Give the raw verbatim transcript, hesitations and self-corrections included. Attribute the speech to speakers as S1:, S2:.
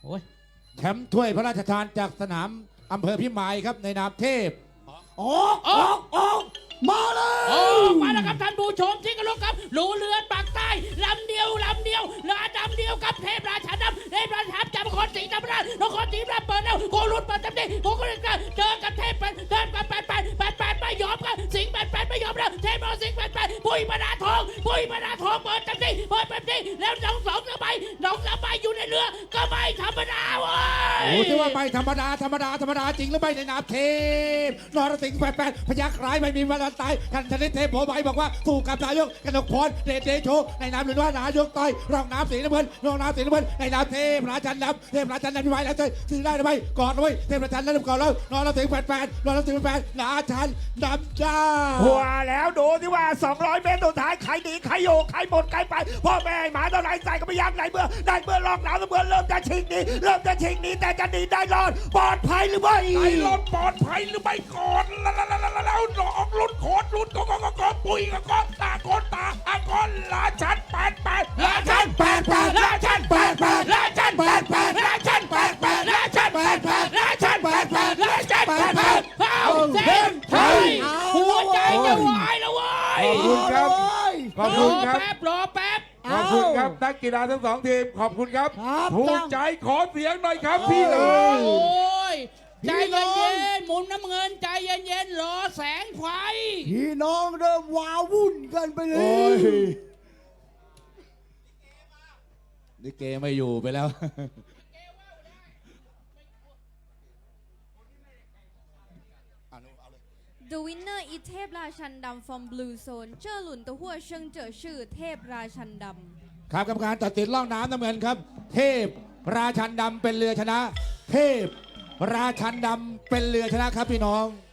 S1: อ้ย
S2: แชมป์ถ้วยพระราชทานจากสนามอำเภอพิมายครับในนามเทพ
S3: ออกออกออกมาเลย
S1: โอ้มาแล้วครับท่านผู้ชมที่กรพครับรูเรือปากใต้ลำเดียวลำเดียวเรือดำเดียวกับเทพราชาดำเทพราชาดำจากนครศรีธรรมราชนครศรีธรรมราชเปิดแล้วโกรุนเปิดเต็มที่โกรุนเจอกับเทพเดินมาแปดแปดแปดแปดไม่ยอมกันสิงห์แปดแปดไม่ยอมแล้วเทพเราสิงห์แปดแปดปุ้ยมานาทองปุ้ยมานาทองเปิดเต็มที่เปิดเต็มที่แล้วน้องสองสบายน้องสบายอยู่ในเรือก็ไม่ธรรมดาเว้ย
S2: โอ้ที่ว่าไม่ธรรมดาธรรมดาธรรมดาจริงหรือไม่ในนามเทพนรสิงห์แปดแปดพยักร้ายไม่มีวันตายกันชนิดเทพโผใบบอกว่าสู้กับนายกกนกพรเดชเดโชในนามหรือว่านายกต่อยรองน้ำสีน้ำเงินรองน้ำสีน้ำเงินในนามเทพราชันดำเทพราชันดำพิมายแล้วเจอซื้อได้หรือไม่กอดไว้เทพราชันดำก่อนแล้วนรสิงห์แปดแปดนรสิงห์แปดแปดราชันดำจ้า
S3: หัวแล้วดูที่ว่าสองร้อยเมตรสุดท้ายใครหนีใครอยู่ใครหมดใครไปพ่อแม่หมาเท่าไรใส่ก็ไม่ยักไหนเมื่อได้เมื่อลอกหนาวเมื่อเริ่มจะชิงหนีเริ่มจะชิงหนีแต่จะหนีได้รอดปลอดภัยหรือไม่
S4: ไอ้รถปลอดภัยหรือไม่ก่อนแล้วแล้วแล้วแล้วหลอกลุ้นโคตรลุ้นก็ก็ก็ก็ปุยก็ก็ตาโกนตาอาโกนลาชันแปดแปดลาชันแปดแปดลาชันแปดแปดลาชันแปดแปดลาชันแปดแปดลาชันแปดแปดลาชันแปดแปดลาชันแปดแปด
S1: เอาเส้นไทยหัวใจจะวายแล้วเว้ย
S4: ขอบคุณครับ ขอบ
S1: ร
S4: คุ
S1: อ
S4: ณครับ
S1: แป๊บรอแป๊บ
S4: ขอบคุณครับนักกีฬาทั้งสองทีมขอบคุณครับ
S3: ครับ
S4: ภูมิใจขอเสียงหน่อยครับพี่น้อง
S1: โอ้ยใจเย็นๆหมุนน้ำเงินใจเย็นๆรอแสงไฟ
S3: พี่น้องเริ่มว้าวุ่นกันไปเล
S2: โอ้
S3: ย
S2: ยนี่เกไม่อยู่ไปแล้ว
S5: The winner is เทพราชันดำ from Blue Zone เจ้าหลุนตัวหัวเชิงเจ๋อชื่อเทพราชันดำ
S2: ครับกรรมการตัดสินล่องน้ำน้ำเงินครับ เทพราชันดำเป็นเรือชนะ เทพราชันดำเป็นเรือชนะครับพี่น้อง